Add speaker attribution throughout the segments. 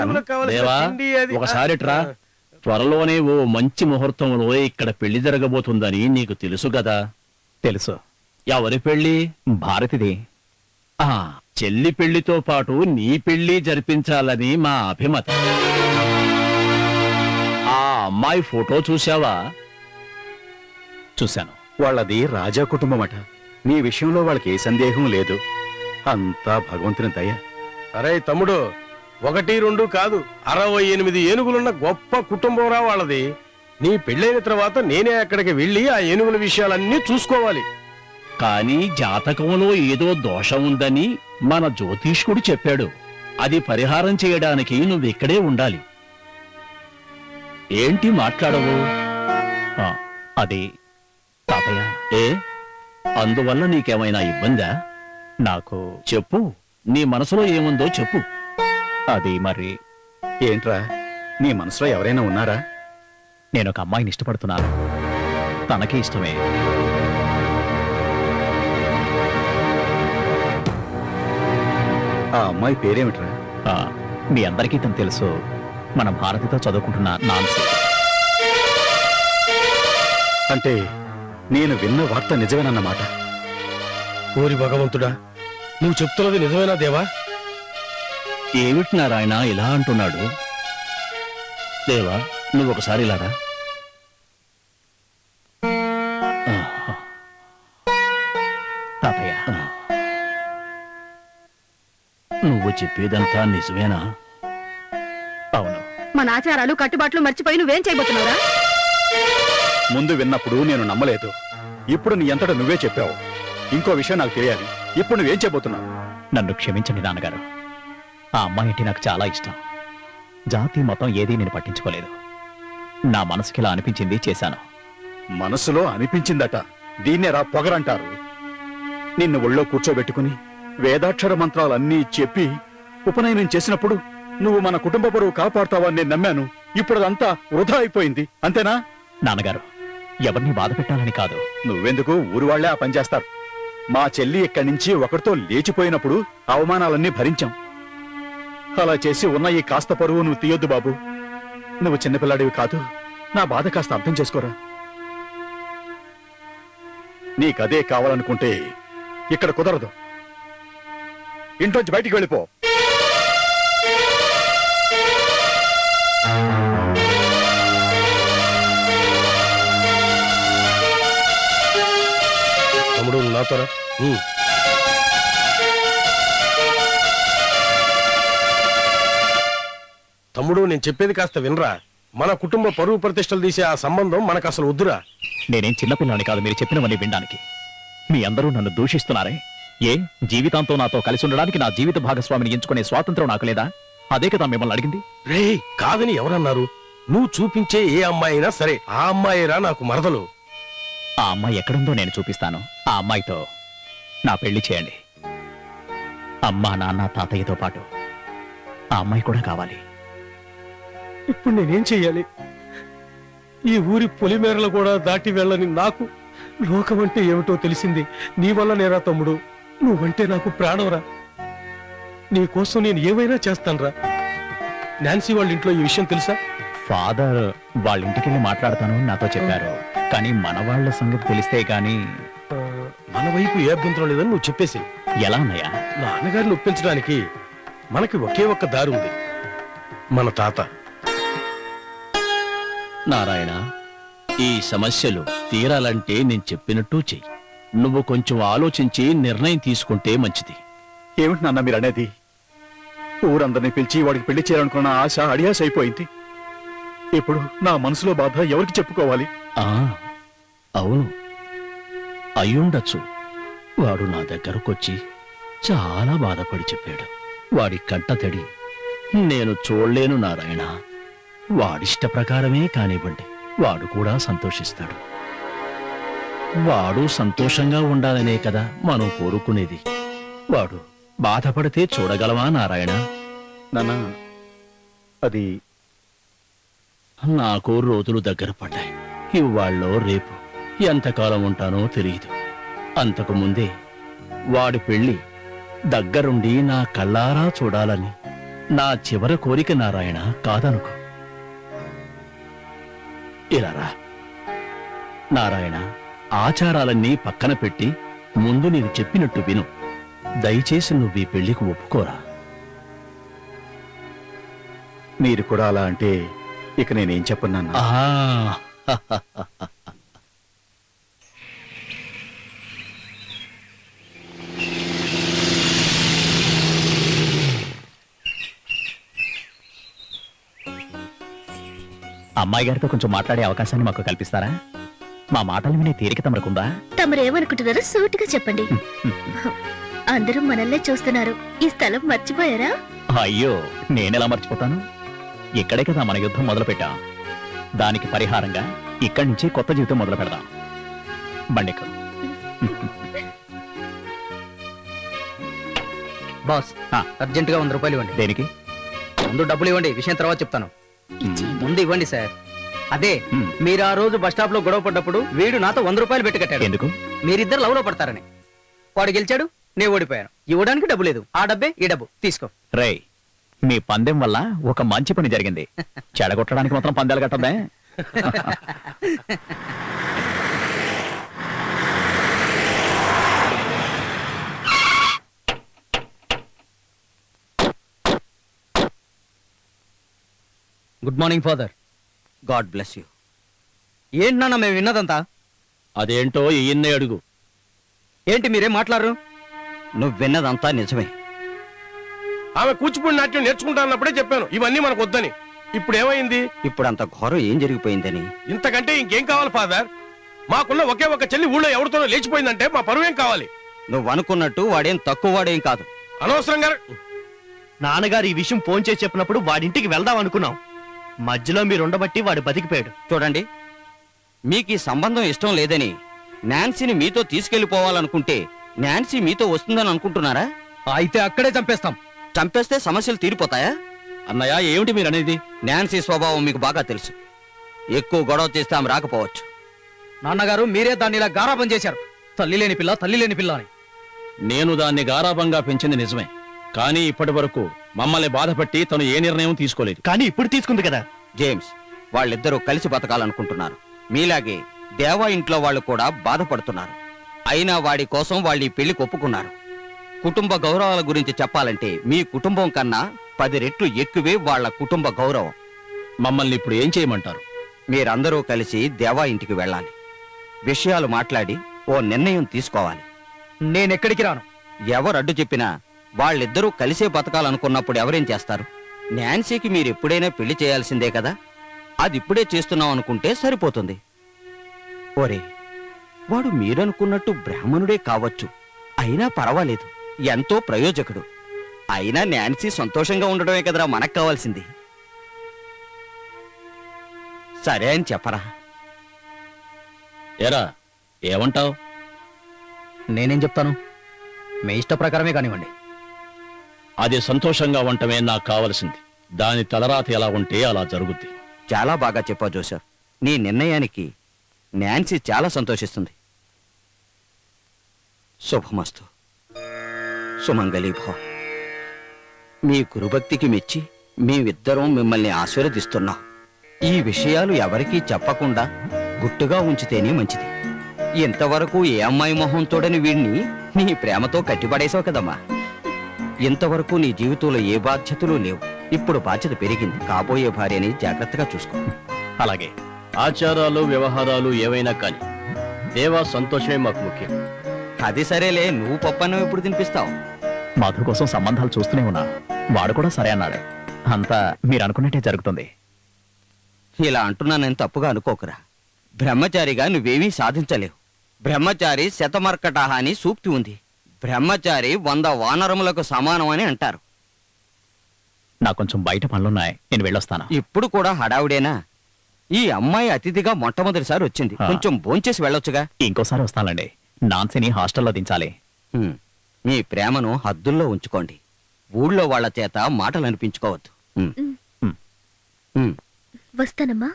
Speaker 1: చెప్తాను.
Speaker 2: దేవా, ఒకసారి ట్రా. త్వరలోనే ఓ మంచి ముహూర్తంలో ఇక్కడ పెళ్లి జరగబోతుందని నీకు తెలుసు కదా?
Speaker 3: తెలుసు.
Speaker 2: ఎవరి పెళ్లి?
Speaker 3: భారతిది.
Speaker 2: ఆ చెల్లి పెళ్లితో పాటు నీ పెళ్లి జరిపించాలని మా అభిమతం. ఆ అమ్మాయి ఫోటో చూశావా?
Speaker 3: చూశాను.
Speaker 1: వాళ్ళది రాజా కుటుంబం అట. నీ విషయంలో వాళ్ళకి ఏ సందేహం లేదు. అంతా భగవంతుని దయ.
Speaker 4: అరే తమ్ముడు, 1, 2 కాదు, 68 ఏనుగులున్న గొప్ప కుటుంబంరా వాళ్ళది. నీ పెళ్ళైన తర్వాత నేనే అక్కడికి వెళ్ళి ఆ ఏనుగుల విషయాలన్నీ చూసుకోవాలి.
Speaker 2: కానీ జాతకంలో ఏదో దోషం ఉందని మన జ్యోతిష్కుడు చెప్పాడు. అది పరిహారం చేయడానికి నువ్విక్కడే ఉండాలి. ఏంటి మాట్లాడవు?
Speaker 3: అది తాతయ్య.
Speaker 2: ఏ అందువల్ల నీకేమైనా ఇబ్బందా?
Speaker 3: నాకు
Speaker 2: చెప్పు, నీ మనసులో ఏముందో చెప్పు.
Speaker 3: అది మరి
Speaker 1: ఏంట్రా, నీ మనసులో ఎవరైనా ఉన్నారా?
Speaker 3: నేను ఒక అమ్మాయిని ఇష్టపడుతున్నాను. తనకి ఇష్టమే.
Speaker 1: ఆ అమ్మాయి పేరేమిట్రా?
Speaker 3: మీ అందరికీ తను తెలుసు. మన భారతితో చదువుకుంటున్న నాన్సీ.
Speaker 1: అంటే నేను విన్న వార్త నిజమేనన్నమాట.
Speaker 4: ఓరి భగవంతుడా, నువ్వు చెప్తున్నది నిజమేనా దేవా?
Speaker 2: ఏమిటి నారాయణ ఇలా అంటున్నాడు? దేవా, నువ్వొకసారి ఇలారా.
Speaker 3: తాతయ్య,
Speaker 2: నువ్వు చెప్పేదంతా నిజమేనా?
Speaker 3: అవును.
Speaker 5: మన ఆచారాలు కట్టుబాట్లు మర్చిపోయి నువ్వేం చేయబోతున్నావురా?
Speaker 1: ముందు విన్నప్పుడు నేను నమ్మలేదు. ఇప్పుడు నీ అంతటా నువ్వే చెప్పావు. ఇంకో విషయం నాకు తెలియాలి. ఇప్పుడు నువ్వేం చెప్పబోతున్నావు?
Speaker 3: నన్ను క్షమించండి నాన్నగారు. ఆ అమ్మాయి అంటే నాకు చాలా ఇష్టం. జాతి మతం ఏదీ నేను పట్టించుకోలేదు. నా మనసుకి ఇలా అనిపించింది, చేశాను.
Speaker 1: మనసులో అనిపించిందట. దీన్నేరా పొగరంటారు. నిన్ను ఒళ్ళో కూర్చోబెట్టుకుని వేదాక్షర మంత్రాలన్నీ చెప్పి ఉపనయనం చేసినప్పుడు నువ్వు మన కుటుంబ పరువు కాపాడుతావని నేను నమ్మాను. ఇప్పుడు అదంతా వృధా అయిపోయింది. అంతేనా?
Speaker 3: నాన్నగారు, ఎవరిని బాధ పెట్టాలని కాదు.
Speaker 1: నువ్వెందుకు? ఊరు వాళ్లే ఆ పని చేస్తారు. మా చెల్లి ఇక్కడి నుంచి ఒకరితో లేచిపోయినప్పుడు అవమానాలన్నీ భరించాం. అలా చేసి ఉన్న ఈ కాస్త పరువు నువ్వు తీయొద్దు బాబు. నువ్వు చిన్నపిల్లాడివి కాదు. నా బాధ కాస్త అర్థం చేసుకోరా. నీకదే కావాలనుకుంటే ఇక్కడ కుదరదు. ఇంట్లోంచి బయటికి వెళ్ళిపో.
Speaker 4: తమ్ముడు నాతోరా. తమ్ముడు, నేను చెప్పేది కాస్త వినరా. మన కుటుంబ పరువు ప్రతిష్టలు తీసే ఆ సంబంధం మనకు అసలు వద్దురా.
Speaker 3: నేనేం చిన్నపిల్లని కాదు మీరు చెప్పినవన్నీ వినడానికి. మీ అందరూ నన్ను దూషిస్తున్నారే. ఏ జీవితాంతో నాతో కలిసి ఉండడానికి నా జీవిత భాగస్వామిని ఎంచుకునే స్వాతంత్రం నాకు లేదా? అదే కదా మిమ్మల్ని అడిగింది.
Speaker 4: రే, కాదని ఎవరన్నారు? నువ్వు చూపించే ఏ అమ్మాయి అయినా సరే, ఆ అమ్మాయిరా నాకు మరదలు.
Speaker 3: ఆ అమ్మాయి ఎక్కడుందో నేను చూపిస్తాను. ఆ అమ్మాయితో నా పెళ్లి చేయండి. అమ్మా, నాన్న, తాతయ్యతో పాటు ఆ అమ్మాయి కూడా కావాలి.
Speaker 4: ఇప్పుడు నేనేం చెయ్యాలి? ఈ ఊరి పొలిమేరలు కూడా దాటి వెళ్ళని నాకు లోకం అంటే ఏమిటో తెలిసింది నీ వల్ల నేరా తమ్ముడు. నువ్వంటే నాకు ప్రాణంరా. నీ కోసం నేను ఏమైనా చేస్తానురా. నాన్సీ వాళ్ళ ఇంట్లో ఈ విషయం తెలుసా?
Speaker 3: ఫాదర్ వాళ్ళ ఇంటికెళ్ళి మాట్లాడతాను నాతో చెప్పారు. కానీ మన వాళ్ళ సంగతి తెలిస్తే గాని
Speaker 4: మన వైపు ఏ అభ్యంతరం లేదని నువ్వు చెప్పేసి.
Speaker 3: ఎలా అన్నయ్యా?
Speaker 4: నాన్నగారిని ఒప్పించడానికి మనకి ఒకే ఒక్క దారి ఉంది. మన తాత.
Speaker 2: నారాయణ, ఈ సమస్యలు తీరాలంటే నేను చెప్పినట్టు చెయ్యి. నువ్వు కొంచెం ఆలోచించి నిర్ణయం తీసుకుంటే మంచిది.
Speaker 1: ఏమిటి నాన్న మీరు అనేది? ఊరందరినీ పిలిచి వాడికి పెళ్లి చేయాలనుకున్న ఆశ అడియాస అయిపోయింది. ఇప్పుడు నా మనసులో బాధ ఎవరికి చెప్పుకోవాలి?
Speaker 2: అవును, అయ్యుండొచ్చు. వాడు నా దగ్గరకొచ్చి చాలా బాధపడి చెప్పాడు. వాడి కంట తడి నేను చూడలేను నారాయణ. వాడిష్ట ప్రకారమే కానివ్వండి, వాడు కూడా సంతోషిస్తాడు. వాడు సంతోషంగా ఉండాలనే కదా మనం కోరుకునేది. వాడు బాధపడితే చూడగలవా నారాయణ?
Speaker 1: నాన్న, అది
Speaker 2: నాకు రోజులు దగ్గర పడ్డాయి. ఇవాళ్ళో రేపు ఎంతకాలం ఉంటానో తెలియదు. అంతకు ముందే వాడి పెళ్లి దగ్గరుండి నా కళ్ళారా చూడాలని నా చివరి కోరిక నారాయణ కాదనుకో. ఇలా రా నారాయణ, ఆచారాలన్నీ పక్కన పెట్టి ముందు నేను చెప్పినట్టు విను. దయచేసి నువ్వు ఈ పెళ్లికి ఒప్పుకోరా.
Speaker 1: మీరు కూడా అలా అంటే ఇక నేనేం చెప్పను నాన్న.
Speaker 3: అమ్మాయి గారితో కొంచెం మాట్లాడే అవకాశాన్ని మాకు కల్పిస్తారా? మా మాటలు వినే తీరిక తమరుకుందా?
Speaker 6: తమరేమనుకుంటున్నారో సూటిగా చెప్పండి. అందరూ మనల్నే చూస్తున్నారు. ఈ స్థలం మర్చిపోయారా?
Speaker 3: అయ్యో, నేనెలా మర్చిపోతాను? ఇక్కడే కదా మన యుద్ధం మొదలు పెట్టాం. దానికి పరిహారంగా ఇక్కడి నుంచి కొత్త జీవితం మొదలు పెడదాం. బండికు
Speaker 7: బాస్, అర్జెంట్ గా 100 రూపాయలు ఇవ్వండి.
Speaker 3: దేనికి?
Speaker 7: ముందు డబ్బులు ఇవ్వండి, విషయం తర్వాత చెప్తాను. ముందు ఇవ్వండి సార్. అదే
Speaker 3: హ్మ్.
Speaker 7: మీరు ఆ రోజు బస్ స్టాప్ లో గొడవ పడ్డప్పుడు వీడు నాతో 100 రూపాయలు పెట్టి కట్టాడు.
Speaker 3: ఎందుకు?
Speaker 7: మీరిద్దరు లవ్ లో పడతారని. వాడు గెలిచాడు, నేను ఓడిపోయాను. ఇవ్వడానికి డబ్బు లేదు. ఆ డబ్బే ఈ డబ్బు తీసుకో.
Speaker 3: రేయ్, మీ పందెం వల్ల ఒక మంచి పని జరిగింది. చెడగొట్టడానికి మాత్రం పందాలు కట్టద్దే.
Speaker 7: Good morning father. God bless you. ఏంటి నాన్న మేము విన్నదంతా?
Speaker 2: అదేంటో ఈయన్నే అడుగు.
Speaker 7: ఏంటి మీరేం మాట్లాడరు?
Speaker 8: నువ్వు విన్నదంతా నిజమే.
Speaker 4: ఆమె కూచిపూడి నాట్యం నేర్చుకుంటానప్పుడే చెప్పాను ఇవన్నీ మనకు వద్దని. ఇప్పుడు ఏమైంది?
Speaker 8: ఇప్పుడు అంత ఘోరం ఏం జరిగిపోయిందని.
Speaker 4: ఇంతకంటే ఇంకేం కావాలి ఫాదర్? మాకున్న ఒకే ఒక చెల్లి ఊళ్ళో ఎవరితోనో లేచిపోయిందంటే మా పరువేం కావాలి?
Speaker 8: నువ్వు అనుకున్నట్టు వాడేం తక్కువ వాడేం కాదు.
Speaker 4: అనవసరంగా
Speaker 9: నాన్నగారు ఈ విషయం ఫోన్ చేసి చెప్పినప్పుడు వాడింటికి వెళ్దాం అనుకున్నాం. మధ్యలో మీరుండబట్టి వాడు బతికిపోయాడు.
Speaker 8: చూడండి, మీకు ఈ సంబంధం ఇష్టం లేదని నాన్సీని మీతో తీసుకెళ్లిపోవాలనుకుంటే నాన్సీ మీతో వస్తుందని అనుకుంటున్నారా?
Speaker 7: అయితే అక్కడే చంపేస్తాం.
Speaker 8: చంపేస్తే సమస్యలు తీరిపోతాయా?
Speaker 2: అన్నయ్య, ఏమిటి మీరనేది?
Speaker 8: నాన్సీ స్వభావం మీకు బాగా తెలుసు. ఎక్కువ గొడవ చేస్తే ఆమె రాకపోవచ్చు.
Speaker 7: నాన్నగారు మీరే దాన్ని ఇలా గారాబం చేశారు. తల్లి లేని పిల్ల, తల్లి లేని పిల్ల అని.
Speaker 2: నేను దాన్ని గారాబంగా పెంచింది నిజమే, కానీ ఇప్పటి వరకు మమ్మల్ని బాధపట్టి తను ఏ నిర్ణయం తీసుకోలేదు.
Speaker 9: కానీ ఇప్పుడు తీసుకుంది కదా.
Speaker 8: జేమ్స్, వాళ్ళిద్దరూ కలిసి బతకాలనుకుంటున్నారు. మీలాగే దేవా ఇంట్లో వాళ్ళు కూడా బాధపడుతున్నారు. అయినా వాడి కోసం వాళ్ళు ఈ పెళ్లికి ఒప్పుకున్నారు. కుటుంబ గౌరవాల గురించి చెప్పాలంటే మీ కుటుంబం కన్నా 10 రెట్లు ఎక్కువే వాళ్ళ కుటుంబ గౌరవం.
Speaker 2: మమ్మల్ని ఇప్పుడు ఏం చేయమంటారు?
Speaker 8: మీరందరూ కలిసి దేవా ఇంటికి వెళ్ళాలి. విషయాలు మాట్లాడి ఓ నిర్ణయం తీసుకోవాలి.
Speaker 7: నేనెక్కడికి రాను.
Speaker 8: ఎవరు అడ్డు చెప్పినా వాళ్ళిద్దరూ కలిసే బతకాలనుకున్నప్పుడు ఎవరేం చేస్తారు? నాన్సీకి మీరు ఎప్పుడైనా పెళ్లి చేయాల్సిందే కదా. అది ఇప్పుడే చేస్తున్నాం అనుకుంటే సరిపోతుంది. ఓరే, వాడు మీరనుకున్నట్టు బ్రాహ్మణుడే కావచ్చు, అయినా పర్వాలేదు, ఎంతో ప్రయోజకుడు. అయినా నాన్సీ సంతోషంగా ఉండడమే కదరా మనకు కావాల్సింది. సరే అని చెప్పరా?
Speaker 2: ఎరా, ఏమంటావ్?
Speaker 7: నేనేం చెప్తాను? మీ ఇష్ట ప్రకారమే కానివ్వండి.
Speaker 2: అది సంతోషంగా ఉండటమే నాకు కావలసింది. దాని తలరాత ఎలా ఉంటే అలా జరుగుద్ది.
Speaker 8: చాలా బాగా చెప్పావు జోసెఫ్. నీ నిర్ణయానికి నాన్సీ చాలా సంతోషిస్తుంది. శుభమస్తు. సుమంగళీ భవ. మీ గురుభక్తికి మెచ్చి మేమిద్దరం మిమ్మల్ని ఆశీర్వదిస్తున్నాం. ఈ విషయాలు ఎవరికీ చెప్పకుండా గుట్టుగా ఉంచితేనే మంచిది. ఇంతవరకు ఏ అమ్మాయి మొహం తోడని వీడిని నీ ప్రేమతో కట్టిపడేశావు కదమ్మా. ఇంతవరకు నీ జీవితంలో ఏ బాధ్యతలు లేవు. ఇప్పుడు బాధ్యత పెరిగింది. కాబోయే భార్యని జాగ్రత్తగా చూసుకో.
Speaker 3: అలాగే.
Speaker 2: ఆచారాలు వ్యవహారాలు ఏవైనా కానీ దేవా సంతోషమే మాకు ముఖ్యం.
Speaker 8: అది సరేలే, నువ్వు పప్పన్నం ఎప్పుడు తినిపిస్తావు?
Speaker 3: మధు కోసం సంబంధాలు చూస్తూనే ఉన్నా. వాడు కూడా సరే అన్నాడు. అంతా మీరు అనుకున్నట్టే జరుగుతుంది.
Speaker 8: ఇలా అంటున్నానని తప్పుగా అనుకోకురా. బ్రహ్మచారిగా నువ్వేమీ సాధించలేవు. బ్రహ్మచారి శతమర్కటహ అని సూక్తి ఉంది. బ్రహ్మచారి 100 వానరములకు సమానం అని అంటారు.
Speaker 3: నాకు కొంచెం బయట పనులున్నాయి, నేను వెళ్ళొస్తాను.
Speaker 8: ఇప్పుడు కూడా హడావుడేనా? ఈ అమ్మాయి అతిథిగా మొట్టమొదటిసారి వచ్చింది. కొంచెం భోంచేసి వెళ్ళొచ్చుగా.
Speaker 3: ఇంకోసారి వస్తానండి. నాన్సీని హాస్టల్లో దించాలి.
Speaker 8: మీ ప్రేమను హద్దుల్లో ఉంచుకోండి. ఊళ్ళో వాళ్ళ చేత మాటలు అనిపించుకోవద్దు.
Speaker 6: వస్తానమ్మా.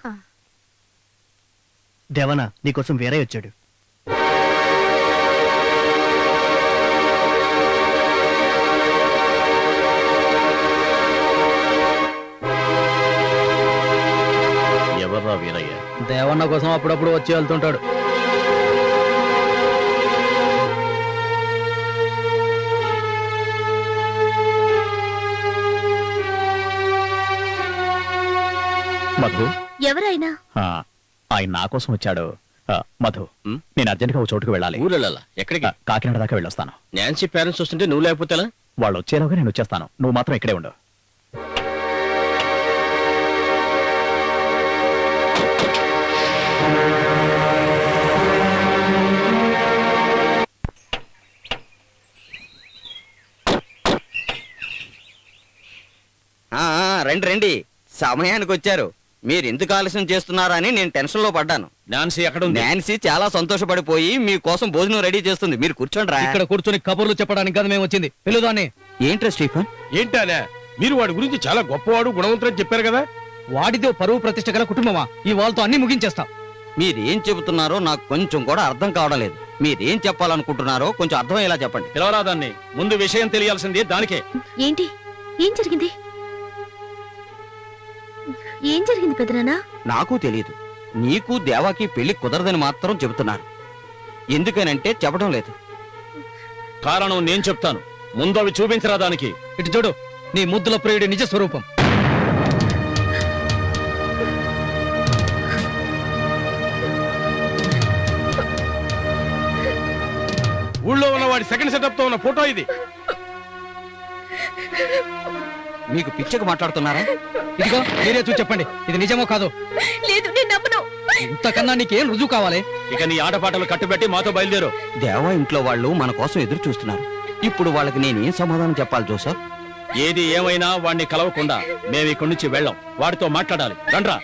Speaker 9: దేవనా, నీకోసం వేరే వచ్చాడు.
Speaker 7: దేవన్న కోసం అప్పుడప్పుడు వచ్చి వెళ్తుంటాడు.
Speaker 3: మధు
Speaker 6: ఎవరైనా
Speaker 3: ఆ, ఆయన నా కోసం వచ్చాడు. మధు,
Speaker 8: ఉమ్?
Speaker 3: నేను అర్జెంట్గా ఒక చోటుకు వెళ్ళాలి.
Speaker 8: ఊరెళ్ళాలా? ఎక్కడికి?
Speaker 3: కాకినాడ దాకా వెళ్ళొస్తాను.
Speaker 8: నాన్సీ పేరెంట్స్ వస్తుంటే నువ్వు లేకపోతే ఎలా?
Speaker 3: వాళ్ళు వచ్చేలోగా నేను వచ్చేస్తాను. నువ్వు మాత్రం ఇక్కడే ఉండు.
Speaker 8: రండి రండి, సమయానికి వచ్చారు. మీరు ఎందుకు ఆలస్యం చేస్తున్నారా అని నేను టెన్షన్ లో పడ్డాను.
Speaker 1: నాన్సీ ఎక్కడ ఉంది?
Speaker 8: నాన్సీ చాలా సంతోషపడిపోయి మీకోసం భోజనం రెడీ చేస్తుంది. మీరు కూర్చోండి రా.
Speaker 7: ఇక్కడ కూర్చొని కబుర్లు చెప్పడానికి కదా మేము వచ్చింది. పిలుదాన్ని.
Speaker 8: ఏంట్రా స్టీఫన్?
Speaker 4: ఏంటానే మీరు వాడి గురించి చాలా గొప్పవాడు గుణవంతుడని చెప్పారు కదా.
Speaker 7: వాడిదో పరువు ప్రతిష్ట గల కుటుంబమా? ఈ వాళ్ళతో అన్ని ముగించేస్తాం.
Speaker 8: మీరేం చెబుతున్నారో నాకు కొంచెం కూడా అర్థం కావడం లేదు. మీరేం చెప్పాలనుకుంటున్నారో కొంచెం అర్థమయ్యేలా చెప్పండి.
Speaker 1: పిలవరా దాన్ని. ముందు విషయం తెలియాల్సింది దానికే.
Speaker 6: ఏంటి? ఏం జరిగింది? ఏం జరిగింది పెదనాన్న?
Speaker 8: నాకు తెలియదు. నీకు దేవాకి పెళ్లి కుదరదని మాత్రం చెబుతున్నారు. ఎందుకనంటే చెప్పడం లేదు.
Speaker 1: కారణం నేను చెప్తాను. ముందు అవి చూపించరా దానికి.
Speaker 7: ఇటు చూడు, నీ ముద్దుల ప్రియుడి నిజ స్వరూపం.
Speaker 4: ఊళ్ళో ఉన్న వాడి సెకండ్ సెటప్ తో ఉన్న ఫోటో ఇది.
Speaker 8: మీకు పిచ్చకు మాట్లాడుతున్నారా?
Speaker 7: ఇదిగో మీరే చూసి చెప్పండి, ఇది నిజమో కాదో.
Speaker 6: లేదు, నేను నమ్మను.
Speaker 7: ఇంతకన్నా నీకేం రుజువు కావాలి?
Speaker 1: ఇక నీ ఆటపాటలు కట్టుబెట్టి మాతో బయలుదేరు.
Speaker 8: దేవా ఇంట్లో వాళ్ళు మన కోసం ఎదురు చూస్తున్నారు. ఇప్పుడు వాళ్ళకి నేనేం సమాధానం చెప్పాలి జోసఫ్?
Speaker 1: ఏది ఏమైనా వాడిని కలవకుండా మేము ఇక్కడి నుంచి వెళ్ళాం. వాడితో మాట్లాడాలి. రండ్రా.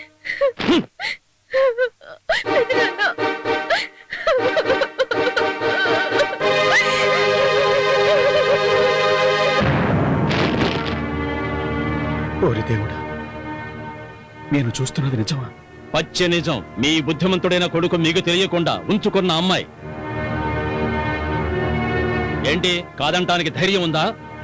Speaker 1: ఓరి దేవుడా, నేను చూస్తున్నది నిజమా? పచ్చ నిజం. మీ బుద్ధిమంతుడైన కొడుకు మీకు తెలియకుండా ఉంచుకున్న అమ్మాయి. ఏంటి, కాదంటానికి ధైర్యం ఉందా?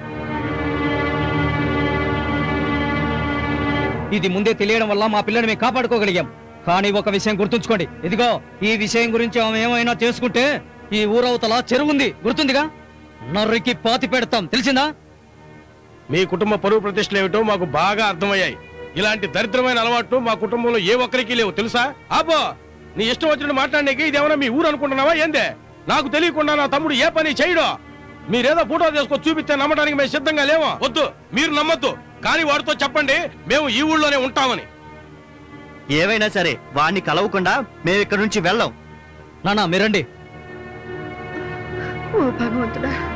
Speaker 7: ఇది ముందే తెలియడం వల్ల మా పిల్లని మేము కాపాడుకోగలిగాం. కానీ ఒక విషయం గుర్తుంచుకోండి. ఇదిగో ఈ విషయం గురించి ఆమె ఏమైనా చేసుకుంటే ఈ ఊరవతల చెరువుంది, గుర్తుందిగా? నర్రికి పాతి పెడతాం, తెలిసిందా?
Speaker 4: మీ కుటుంబ పరువు ప్రతిష్టలు ఏమిటో మాకు బాగా అర్థమయ్యాయి. ఇలాంటి దరిద్రమైన అలవాట్లు మా కుటుంబంలో ఏ ఒక్కరికి లేవు, తెలుసా? ఆపో, నీ ఇష్టం వచ్చినట్టు మాట్లాడడానికి ఇదేమన్నా మీ ఊరు అనుకుంటున్నావా ఏందే? నాకు తెలియకుండా నా తమ్ముడు ఏ పని చేయడు. మీరేదో ఫోటో తీసుకొని చూపిస్తే నమ్మడానికి మేము సిద్ధంగా లేవో. వద్దు, మీరు నమ్మొద్దు. కానీ వాడితో చెప్పండి మేము ఈ ఊళ్ళోనే ఉంటామని.
Speaker 9: ఏవైనా సరే వాడిని కలవకుండా మేము ఇక్కడ నుంచి వెళ్ళాం.
Speaker 7: నానా మీరండి.
Speaker 5: ఓ భగవంతుడా,